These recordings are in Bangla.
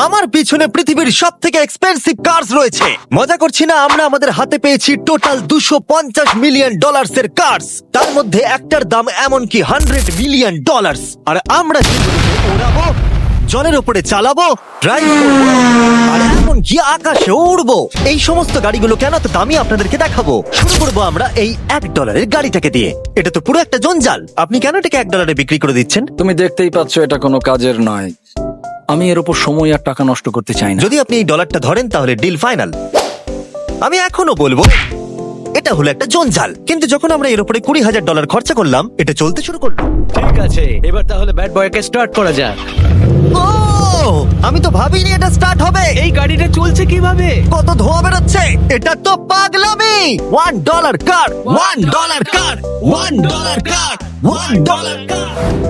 আমার পিছনে পৃথিবীর সব থেকে এক্সপেন্সিভ কার্স রয়েছে। মজা করছি না, আমরা আমাদের হাতে পেয়েছি টোটাল $250 মিলিয়ন এর কার্স। তার মধ্যে একটার দাম এমনকি $100 মিলিয়ন। আর আমরা সেগুলোকে ওড়াবো, জলের উপরে চালাবো, ড্রাইভ করবো, আর এমনকি আকাশে উড়বো। এই সমস্ত গাড়িগুলো কেন তো দামি আপনাদেরকে দেখাবো। শুরু করবো আমরা এই $1 গাড়িটাকে দিয়ে। এটা তো পুরো একটা জঞ্জাল। আপনি কেন এটাকে $1 বিক্রি করে দিচ্ছেন? তুমি দেখতেই পাচ্ছ এটা কোনো কাজের নয়। আমি এর উপর সময় আর টাকা নষ্ট করতে চাই না। যদি আপনি এই ডলারটা ধরেন তাহলে ডিল ফাইনাল। আমি এখনো বলবো এটা হলো একটা জঞ্জাল, কিন্তু যখন আমরা এর উপরে $20,000 খরচা করলাম, এটা চলতে শুরু করলো। ঠিক আছে, এবার তাহলে ব্যাড বয়কে স্টার্ট করা যাক। ও, আমি তো ভাবিনি এটা স্টার্ট হবে। এই গাড়িটা চলছে কিভাবে? কত ধোঁয়া বেরোচ্ছে, এটা তো পাগলামি। $1 কার, $1 কার, $1 কার, $1 কার।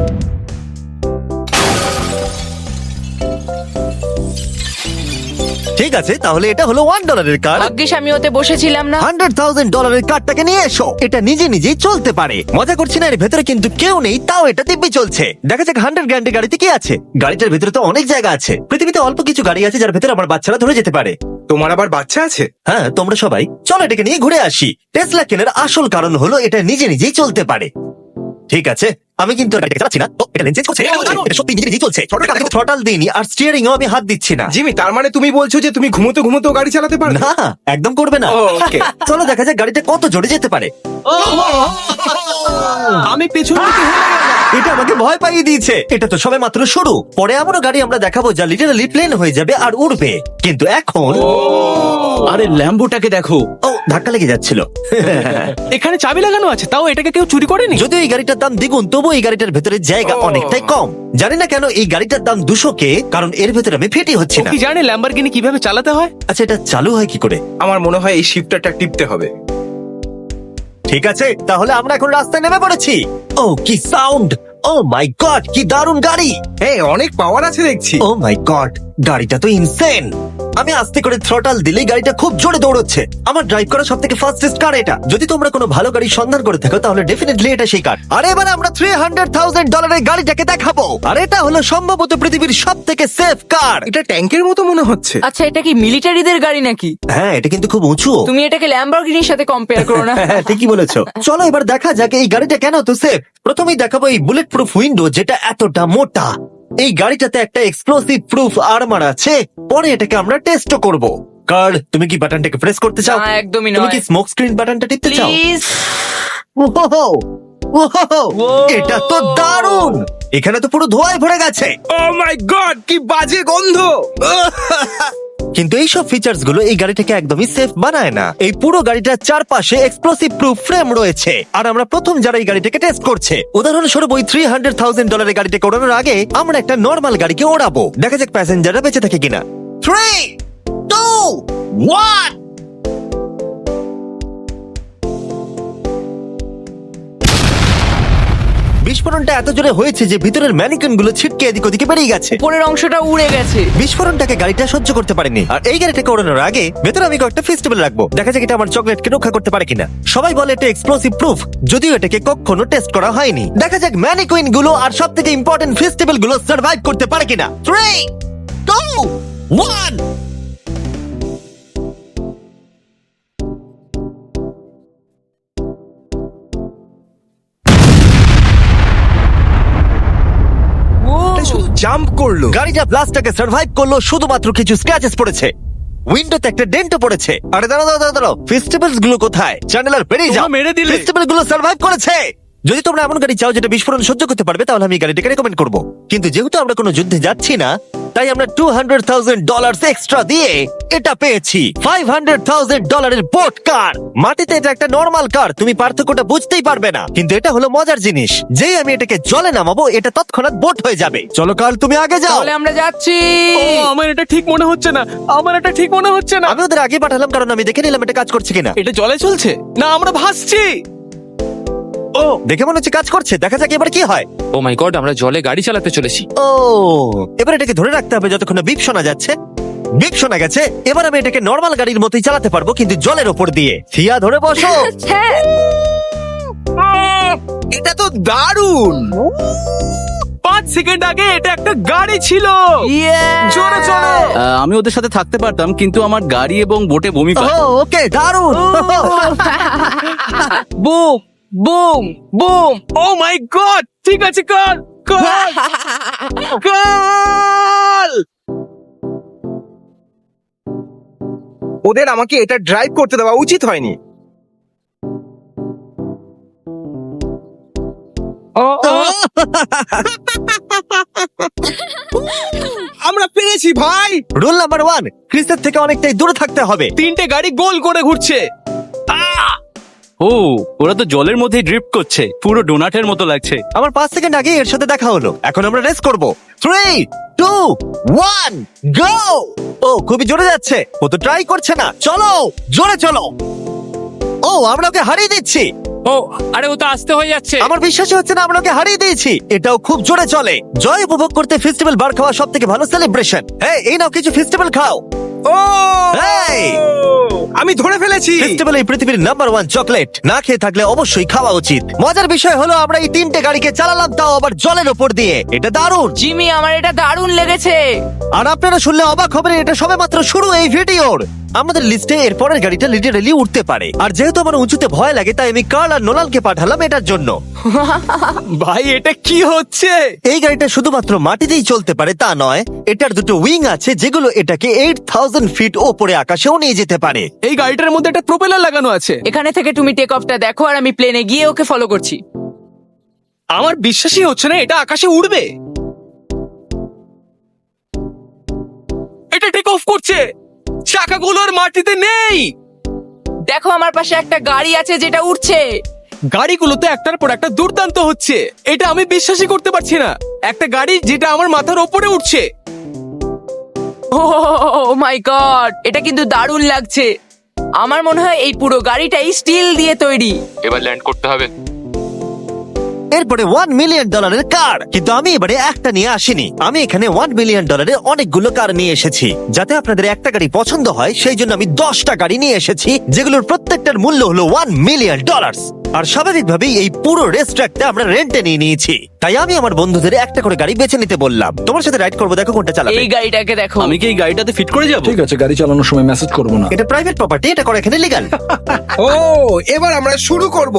ঠিক আছে, তাহলে এটা হলো $1 কার। ভাগ্যিস আমি ওতে বসেছিলাম না। $100,000 কারটাকে নিয়ে এসো। এটা নিজে নিজেই চলতে পারে। মজা করছি না, এর ভেতরে কিন্তু কেউ নেই, তাও এটা দিব্যি চলছে। দেখা যাক 100 গ্র্যান্ডের গাড়িতে কি আছে। গাড়িটার ভেতরে তো অনেক জায়গা আছে। পৃথিবীতে অল্প কিছু গাড়ি আছে যার ভেতরে আমার বাচ্চারা ধরে যেতে পারে। তোমার আবার বাচ্চা আছে? হ্যাঁ, তোমরা সবাই চলো এটাকে নিয়ে ঘুরে আসি। টেসলা কেনার আসল কারণ হলো এটা নিজে নিজেই চলতে পারে। ঠিক আছে, আমি কিন্তু গাড়িটাকে চালাচ্ছি না। ও, এটা লেন চেঞ্জ করছে। এটা সত্যি নিজে নিজেই চলছে। থ্রটাল দিইনি আর স্টিয়ারিং এও আমি হাত দিচ্ছি না। জিমি, তার মানে তুমি বলছো যে তুমি ঘুমোতে ঘুমোতেও গাড়ি চালাতে পারো? না, একদম করবে না। ও, okay. চলো দেখা যাক গাড়িটা কত জোরে যেতে পারে। আমি পেছন দিকে হেলে গেলাম। এটা আমাকে ভয় পাইয়ে দিয়েছে। এটা তো সবে মাত্র শুরু। পরে এমনও গাড়ি আমরা দেখাবো যা লিটারালি প্লেন হয়ে যাবে আর উড়বে। কিন্তু এখন আরে ল্যাম্বোটাকে দেখো, ও, ধাক্কা লেগে যাচ্ছিল। এখানে চাবি লাগানো আছে, তাও এটাকে কেউ চুরি করেনি। যদিও এই গাড়িটার দাম দ্বিগুণ, তবু এই গাড়িটার ভেতরে জায়গা অনেকটাই কম। জানি না কেন এই গাড়িটার দাম 200K, কারণ এর ভেতরে আমি ফিটি হচ্ছে ও না। কি জানে ল্যাম্বরগিনি কিভাবে চালাতে হয়? আচ্ছা, এটা চালু হয় কি করে? আমার মনে হয় এই শিফটারটা টিপতে হবে। ঠিক আছে, তাহলে আমরা এখন রাস্তায় নেমে পড়েছি। ও, কি সাউন্ড! ও মাই গড, কি দারুণ গাড়ি! হ্যাঁ, অনেক পাওয়ার আছে দেখছি। ও মাই গড, গাড়িটা তো ইনসেন। আমি আস্তে করে থ্রটাল দিলেই গাড়িটা খুব জোরে দৌড়চ্ছে। আমার ড্রাইভ করা সবথেকে ফাস্টেস্ট কার এটা। যদি তোমরা কোনো ভালো গাড়ি সন্ধান করে থাকো তাহলে ডেফিনেটলি এটা সেই কার। আর এবার আমরা $300,000 গাড়িটাকে দেখাবো। আর এটা হলো সম্ভবত পৃথিবীর সবথেকে সেফ কার। এটা ট্যাঙ্কের মতো মনে হচ্ছে। আচ্ছা, এটা কি মিলিটারিদের গাড়ি নাকি? হ্যাঁ, এটা কিন্তু খুব উঁচু। তুমি এটাকে ল্যাম্বরগিনির সাথে কম্পেয়ার করো না। হ্যাঁ, ঠিকই বলেছো। চলো এবার দেখা যাক এই গাড়িটা কেন তো সেফ। প্রথমেই দেখাবো এই বুলেট প্রুফ উইন্ডো, যেটা এতটা মোটা। এই গাড়িটাতে একটা এক্সপ্লোসিভ প্রুফ আর্মার আছে। পরে এটাকে আমরা টেস্টও করব। কার্ল, তুমি কি বাটনটাকে প্রেস করতে চাও? না, একদমই তুমি নয়। কি স্মোক স্ক্রিন বাটনটা টিপতে চাও? প্লিজ। ওহো, ওহো, এটা তো দারুণ। এখানে তো পুরো ধোঁয়ায় ভরে গেছে। ও মাই গড, কি বাজে গন্ধ! কিন্তু এই সব ফিচার্স গুলো এই গাড়িটাকে একদমই সেফ বানায় না। এই পুরো গাড়িটার চারপাশে এক্সপ্লোসিভ প্রুফ ফ্রেম রয়েছে। আর আমরা প্রথম যারা এই গাড়িটাকে টেস্ট করছে, উদাহরণস্বরূপ ওই $300,000 গাড়িটাকে ওড়ানোর আগে আমরা একটা নর্মাল গাড়িকে ওড়াবো। দেখা যাক প্যাসেঞ্জাররা বেঁচে থাকে কিনা। 3, 2, 1। বিস্ফোরণটা এত জোরে হয়েছে যে ভিতরের ম্যানিকন গুলো ছিটকে এদিক ওদিকে বেরিয়ে গেছে। উপরের অংশটা উড়ে গেছে। বিস্ফোরণটাকে গাড়িটা সহ্য করতে পারেনি। আর এই গাড়িটাকে ওড়ানোর আগে ভেতরে আমি কয়েকটা ফেস্টিভ্যাল রাখবো। দেখা যাক এটা আমার চকলেটকে রক্ষা করতে পারে কিনা। সবাই বলে এটা এক্সপ্লোসিভ প্রুফ, যদিও এটাকে কখনো টেস্ট করা হয়নি। দেখা যাক ম্যানিকুইন গুলো আর সব থেকে ইম্পর্টেন্ট ফেস্টিভ্যাল গুলো সার্ভাইভ করতে পারে কিনা। 3, 2, 1। এটা শুধু জাম্প করলো। গাড়িটা ব্লাস্টটাকে সার্ভাইভ করলো, শুধুমাত্র কিছু স্ক্র্যাচেস পড়েছে। উইন্ডোতে একটা ডেন্টও পড়েছে। আরে দাঁড়াও, ফেস্টিভ্যালস গুলো কোথায়? চ্যানেলার বেরিয়ে যাও। তোমরা মেরে দিলে। ফেস্টিভ্যাল গুলো সার্ভাইভ করেছে। যদি তোমরা এমন গাড়ি চাও যেটা বিস্ফোরণ সহ্য করতে পারবে, তাহলে আমি এই গাড়িটাকে রেকমেন্ড করবো। কিন্তু যেহেতু আমরা কোনো যুদ্ধে যাচ্ছি না, তাই আমরা $200,000 এক্সট্রা দিয়ে এটা পেয়েছি। $500,000 বোট কার। মাটিতে এটা একটা নর্মাল কার, তুমি পার্থক্যটা বুঝতেই পারবে না। কিন্তু এটা হলো মজার জিনিস, যেই আমি এটাকে জলে নামাবো এটা তৎক্ষণাৎ বোট হয়ে যাবে। চলো কার্ল, তুমি আগে যাও। তাহলে আমরা যাচ্ছি। ও, আমার এটা ঠিক মনে হচ্ছে না, আমার এটা ঠিক মনে হচ্ছে না। আমি ওদের আগে পাঠালাম কারণ আমি দেখে নিলাম এটা কাজ করছে কিনা। এটা জলে চলছে না, আমরা ভাসছি। ও, দেখে মনে হচ্ছে কাজ করছে। দেখা যাক এবার কি হয়। ও মাই গড, আমরা জলে গাড়ি চালাতে চলেছি। ও, এবার এটাকে ধরে রাখতে হবে যতক্ষণ না বিপ শোনা যাচ্ছে। বিপ শোনা গেছে। এবার আমি এটাকে নর্মাল গাড়ির মতোই চালাতে পারবো, কিন্তু জলের ওপর দিয়ে। থিয়া, ধরে বসো। হ্যাঁ, এটা তো দারুণ। 5 সেকেন্ড আগে এটা একটা গাড়ি ছিল। Yeah! জোরে চলো। আমি ওদের সাথে থাকতে পারতাম, কিন্তু আমার গাড়ি এবং বোটে বমি ও পায়। ওকে দারুণ boom boom boom oh my god ঠিক আছে কর কর গোল! ওদের আমাকে এটা ড্রাইভ করতে দেওয়া উচিত হয়নি। আমরা পেরেছি ভাই। রুল নাম্বার 1, ক্রিসের থেকে অনেকটাই দূরে থাকতে হবে। তিনটে গাড়ি গোল করে ঘুরছে। ও, ওরা তো জলের মধ্যে ড্রিফট করছে, পুরো ডোনাটের মতো লাগছে। আমার 5 সেকেন্ড আগে এর সাথে দেখা হলো। এখন আমরা রেস করব। 3, 2, 1, গো! ও খুবই জোরে যাচ্ছে। ও তো ট্রাই করছে না। চলো জোরে চলো। ও আমরা ওকে হারিয়ে দিচ্ছি। ও আরে ও তো আসতে হয়ে যাচ্ছে। আমার বিশ্বাসই হচ্ছে না আমরা ওকে হারিয়ে দিয়েছি। এটাও খুব জোরে চলে। জয় উপভোগ করতে ফেস্টিভ্যাল বার খাওয়া সব থেকে ভালো সেলিব্রেশন। এই নাও কিছু ফেস্টিভ্যাল খাও। ও এই! আমি ধরে ফেলেছি। ফেস্টিভ্যাল এই পৃথিবীর নাম্বার 1 চকলেট। না খেয়ে থাকলে অবশ্যই খাওয়া উচিত। মজার বিষয় হলো আমরা এই তিনটে গাড়িকে চালালাম, তাও আবার জলের ওপর দিয়ে। এটা দারুণ। জিমি আমার এটা দারুণ লেগেছে। আর আপনারা শুনলে অবাক হবেন, এটা সবেমাত্র শুরু এই ভিডিওর। আমাদের লিস্টে এর পরের গাড়িটা লিটারালি উঠতে পারে। আর যেহেতু আমার উঁচুতে ভয় লাগে, তাই আমি কার্ল আর নোলানকে পাঠালাম এটার জন্য। ভাই এটা কি হচ্ছে? এই গাড়িটা শুধুমাত্র মাটিতেই চলতে পারে তা নয়, এটার দুটো উইং আছে যেগুলো এটাকে 8000 ফিট ওপরে আকাশেও নিয়ে যেতে পারে। এই গাড়িটার মধ্যে একটা প্রোপেলার লাগানো আছে। এখানে থেকে তুমি টেক অফটা দেখো আর আমি প্লেনে গিয়ে ওকে ফলো করছি। আমার বিশ্বাসই হচ্ছে না এটা আকাশে উড়বে। এটা টেক অফ করছে, চাকাগুলো আর মাটিতে নেই। দেখো আমার পাশে একটা গাড়ি আছে যেটা উঠছে। গাড়িগুলোতে একটার পর একটা দুর্দান্ত হচ্ছে। এটা আমি বিশ্বাসই করতে পারছি না, একটা গাড়ি যেটা আমার মাথার ওপরে উঠছে। ও মাই গড, এটা কিন্তু দারুণ লাগছে। আমার মনে হয় এই পুরো গাড়িটাই স্টিল দিয়ে তৈরি। এবার ল্যান্ড করতে হবে। এরপরে $1 মিলিয়ন কার। কিন্তু আমি এবারে একটা নিয়ে আসিনি। আমি এখানে $1 মিলিয়ন অনেকগুলো কার নিয়ে এসেছি। যাতে আপনাদের একটা গাড়ি পছন্দ হয় সেই জন্য আমি 10টা গাড়ি নিয়ে এসেছি, যেগুলোর প্রত্যেকটার মূল্য হলো $1 মিলিয়ন। আর স্বাভাবিকভাবেই এই পুরো রেস ট্র্যাকটা আমরা রেন্টে নিয়ে নিয়েছি। তাই আমি আমার বন্ধুদের একটা করে গাড়ি বেছে নিতে বললাম। তোমার সাথে রাইড করবো, দেখো কোনটা চালাবে। এই গাড়িটাকে দেখো। আমি কি এই গাড়িটাতে ফিট করে যাব? ঠিক আছে, গাড়ি চালানোর সময় মেসেজ করবো না। এটা প্রাইভেট প্রপার্টি, এটা করা এখানে লিগ্যাল। ও এবার আমরা শুরু করব।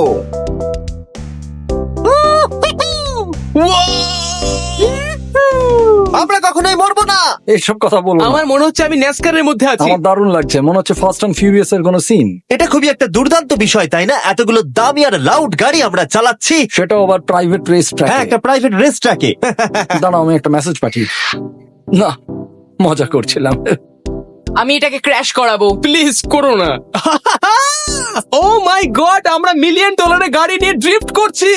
আমরা কখনোই মরবো না। এইসব কথা বলবো না। আমার মনে হচ্ছে আমি ন্যাসকারের মধ্যে আছি। আমার দারুণ লাগছে, মনে হচ্ছে ফাস্ট অ্যান্ড ফিউরিয়াস এর কোনো সিন। এটা খুবই একটা দুর্দান্ত বিষয়, তাই না? এতগুলো দামি আর লাউড গাড়ি আমরা চালাচ্ছি। সেটাও আবার প্রাইভেট রেস হ্যাঁ, ট্র্যাক। একটা প্রাইভেট রেস ট্র্যাকে। দাঁড়াও, আমি একটা মেসেজ পাঠিয়ে। না, মজা করছিলাম। আমি এটাকে ক্র্যাশ করাবো। প্লিজ করো না। ও মাই গড, আমরা $1 মিলিয়ন গাড়ি নিয়ে ড্রিফট করছি।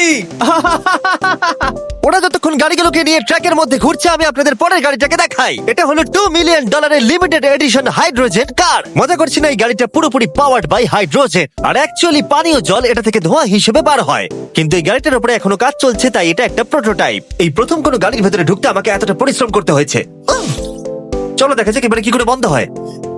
ওরা যতক্ষণ গাড়িগুলোকে নিয়ে ট্র্যাকের মধ্যে ঘুরছে, আমি আপনাদের পরের গাড়িটাকে দেখাই। এটা হলো $2 million limited edition hydrogen car. মজা করছি না, এই গাড়িটা পুরোপুরি পাওয়ার্ড বাই হাইড্রোজেন। আর অ্যাকচুয়ালি পানীয় জল এটা থেকে ধোঁয়া হিসেবে বার হয়। কিন্তু এই গাড়িটার উপরে এখনো কাজ চলছে, তাই এটা একটা প্রোটোটাইপ। এই প্রথম কোনো গাড়ির ভেতরে ঢুকতে আমাকে এতটা পরিশ্রম করতে হয়েছে। চলো দেখা যাক এবারে কি করে বন্ধ হয়।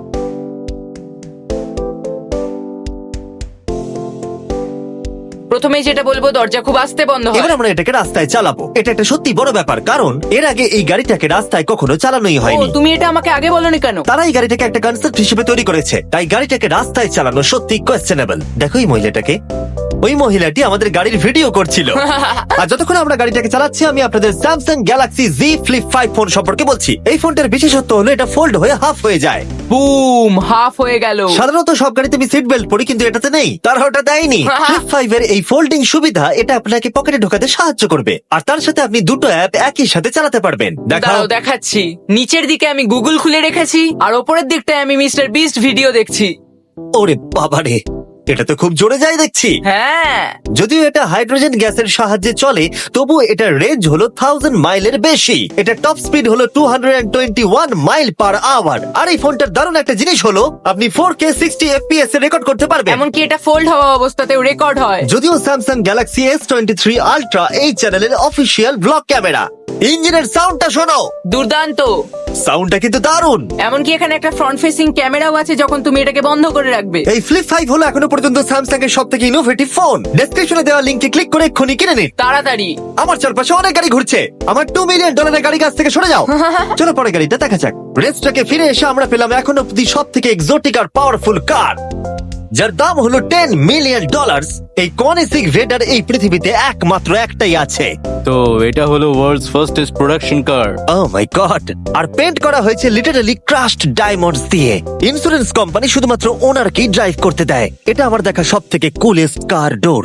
প্রথমেই যেটা বলবো, দরজা খুব আস্তে বন্ধ হয়। এবার আমরা এটাকে রাস্তায় চালাবো। এটা একটা সত্যি বড় ব্যাপার, কারণ এর আগে এই গাড়িটাকে রাস্তায় কখনো চালানোই ও, হয়নি। তুমি এটা আমাকে আগে বলনি কেন? তারা এই গাড়িটাকে একটা কনসেপ্ট হিসেবে তৈরি করেছে, তাই গাড়িটাকে রাস্তায় চালানো সত্যি কোয়েশ্চেনেবল। দেখো এই মহিলাটাকে, ওই মহিলাটি আমাদের গাড়ির ভিডিও করছিল। আর যতক্ষণ আমরা গাড়িটাকে চালাচ্ছি, আমি আপনাদের Samsung Galaxy Z Flip 5 phone সম্পর্কে বলছি। এই ফোনটার বিশেষত্ব হলো এটা ফোল্ড হয়ে হাফ হয়ে যায়। বুম, হাফ হয়ে গেল। সাধারণত সব গাড়িতে আমি সিট বেল্ট পরি, কিন্তু এটাতে নেই। তারা ওটা দেয়নি। Flip 5 এর এই ফোল্ডিং সুবিধা, এটা আপনাকে পকেটে ঢোকাতে সাহায্য করবে। আর তার সাথে আপনি দুটো অ্যাপ একই সাথে চালাতে পারবেন। দেখাও। দাঁড়াও দেখাচ্ছি। নিচের দিকে আমি গুগল খুলে রেখেছি, আর ওপরের দিকটায় আমি মিস্টার বিস্ট ভিডিও দেখছি। ওরে বাবারে, এটা তো খুব জোরে যায় দেখছি। হ্যাঁ, যদিও এটা হাইড্রোজেন গ্যাসের সাহায্যে চলে, তবু এটার রেঞ্জ হলো 1000 মাইলের বেশি। এটা টপ স্পিড হলো 221 মাইল পার আওয়ার। আর এই ফোনটার দারুণ একটা জিনিস হলো আপনি 4K 60 FPS এ রেকর্ড করতে পারবেন। এমনকি এটা ফোল্ড হওয়া অবস্থাতেও রেকর্ড হয়। যদিও স্যামসাং গ্যালাক্সি S23 আলট্রা এই চ্যানেলের অফিসিয়াল ব্লগ ক্যামেরা। ইঞ্জিনের সাউন্ডটা শোনো, দুর্দান্ত। সাউন্ডটা কিন্তু দারুণ। এমনকি এখানে একটা ফ্রন্ট ফেসিং ক্যামেরাও আছে যখন তুমি এটাকে বন্ধ করে রাখবে। এই ফ্লিপ 5 হলো এখনো পর্যন্ত স্যামসাং এর সবথেকে ইনোভেটিভ ফোন। ডেসক্রিপশনে দেওয়া লিংকে ক্লিক করে এক্ষুনি কিনে নিন। তাড়াতাড়ি। আমার চারপাশে অনেক গাড়ি ঘুরছে। আমার $2 মিলিয়ন গাড়ি কাছ থেকে সরে যাও। চলো পরে গাড়িটা দেখা যাক। রেসটাকে ফিরে এসে আমরা পেলাম এখন অব্দি সব থেকে এক্সোটিক আর পাওয়ারফুল কার, যার দাম হলো $10 মিলিয়ন। এই কনিসিক রেডার এই পৃথিবীতে একমাত্র একটাই আছে। তো এটা হলো world's fastest production car. Oh my god! আর পেন্ট করা হয়েছে লিটারালি ক্রাশড ডায়মন্ডস দিয়ে। ইন্স্যুরেন্স কোম্পানি শুধুমাত্র ওনারকেই ড্রাইভ করতে দেয়। এটা আমার দেখা সব থেকে কুলেস্ট কার ডোর।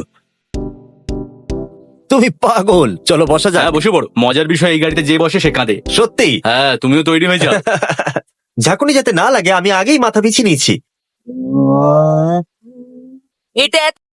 তুমি পাগল। চলো বসা যাক। হ্যাঁ বসে পড়ো। মজার বিষয়, এই গাড়িতে যে বসে সে কাঁদে। সত্যি হ্যাঁ, তুমিও তৈরি হয়ে যাও। ঝাঁকুনি যাতে না লাগে আমি আগেই মাথা পিছিয়ে নিয়েছি। এটা